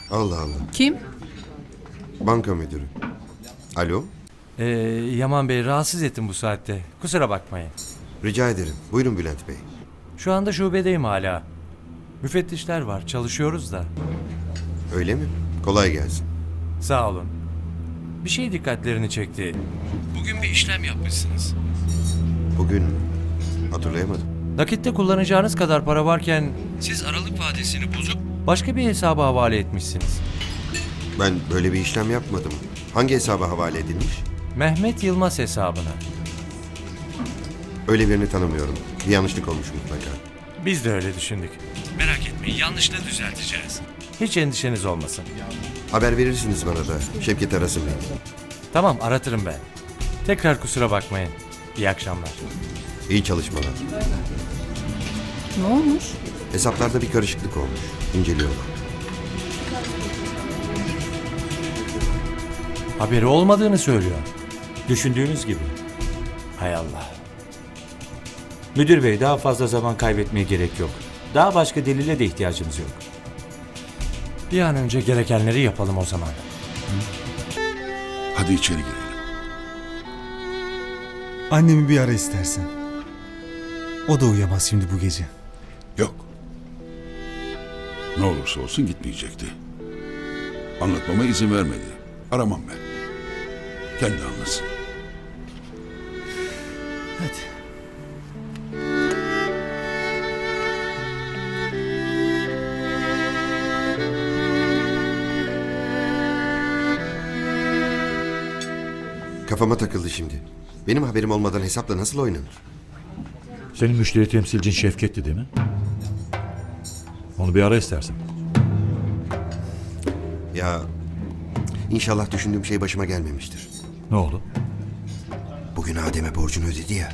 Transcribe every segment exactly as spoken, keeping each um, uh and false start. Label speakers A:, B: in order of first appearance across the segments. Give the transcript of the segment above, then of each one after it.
A: Allah Allah.
B: Kim?
A: Banka müdürü. Alo.
C: Ee, Yaman Bey, rahatsız ettim bu saatte. Kusura bakmayın.
A: Rica ederim. Buyurun Bülent Bey.
C: Şu anda şubedeyim hala. Müfettişler var, çalışıyoruz da.
A: Öyle mi? Kolay gelsin.
C: Sağ olun. Bir şey dikkatlerini çekti. Bugün bir işlem yapmışsınız.
A: Bugün hatırlayamadım.
C: Nakitte kullanacağınız kadar para varken siz aralık vadesini bozup başka bir hesaba havale etmişsiniz.
A: Ben böyle bir işlem yapmadım. Hangi hesaba havale edilmiş?
C: Mehmet Yılmaz hesabına.
A: Öyle birini tanımıyorum. Bir yanlışlık olmuş mutlaka.
C: Biz de öyle düşündük. Merak etmeyin, yanlışlığı düzelteceğiz. Hiç endişeniz olmasın.
A: Haber verirsiniz bana da. Şevket arasın beni.
C: Tamam, aratırım ben. Tekrar kusura bakmayın. İyi akşamlar.
A: İyi çalışmalar.
B: Ne olmuş?
A: Hesaplarda bir karışıklık olmuş. İnceliyorlar.
C: Haberi olmadığını söylüyor.
D: Düşündüğünüz gibi.
C: Hay Allah.
D: Müdür bey, daha fazla zaman kaybetmeye gerek yok. Daha başka delile de ihtiyacımız yok.
C: Bir an önce gerekenleri yapalım o zaman.
E: Hadi içeri girelim.
F: Annemi bir ara istersen. O da uyuyamaz şimdi bu gece.
E: Yok. Ne olursa olsun gitmeyecekti. Anlatmama izin vermedi. Aramam ben. Kendi anlasın.
F: Hadi.
A: Kafama takıldı şimdi. Benim haberim olmadan hesapla nasıl oynanır?
G: Senin müşteri temsilcin Şevket'ti değil mi? Onu bir ara istersen.
A: Ya inşallah düşündüğüm şey başıma gelmemiştir.
G: Ne oldu?
A: Bugün Adem'e borcunu ödedi ya.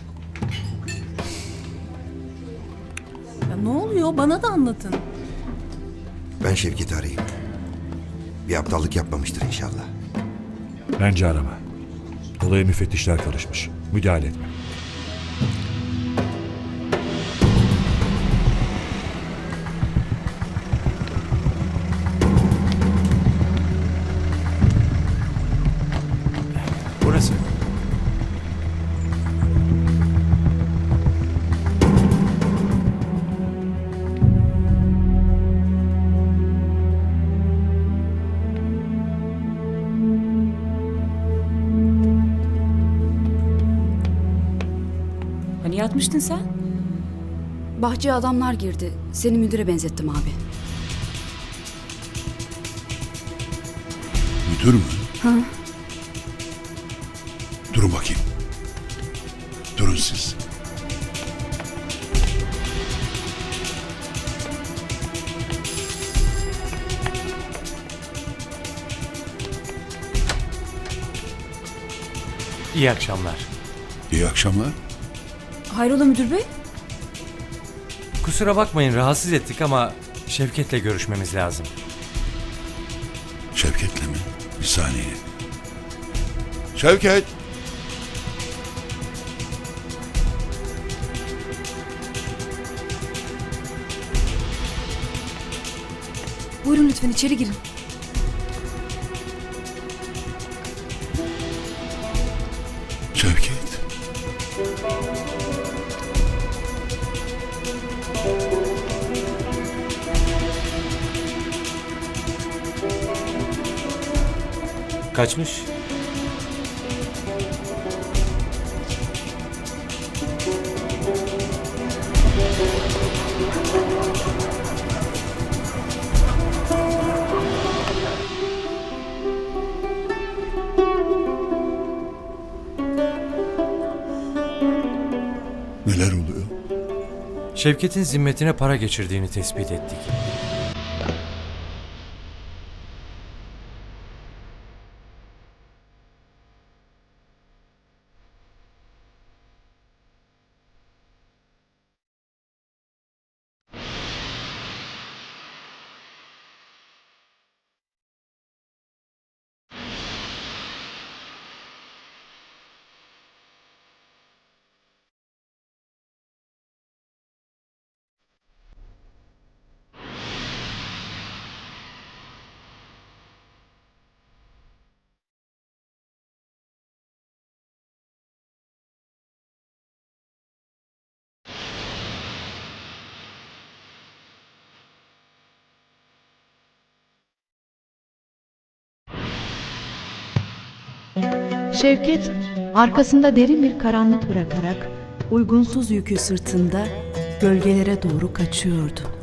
B: Ya ne oluyor? Bana da anlatın.
A: Ben Şevket'i arayayım. Bir aptallık yapmamıştır inşallah.
G: Bence arama. Olaya müfettişler karışmış. Müdahale etme.
C: Burası.
B: Hani yatmıştın sen?
H: Bahçeye adamlar girdi. Seni müdüre benzettim abi.
E: Müdür mü?
H: Ha?
E: Durun bakayım. Durun siz.
C: İyi akşamlar.
E: İyi akşamlar.
H: Hayrola müdür bey?
C: Kusura bakmayın, rahatsız ettik ama Şevket'le görüşmemiz lazım.
E: Şevket'le mi? Bir saniye. Şevket!
H: Buyurun lütfen içeri girin.
E: Şevket!
D: Kaçmış.
E: Neler oluyor?
C: Şevket'in zimmetine para geçirdiğini tespit ettik.
I: Şevket arkasında derin bir karanlık bırakarak
B: Uygunsuz yükü sırtında gölgelere doğru kaçıyordu.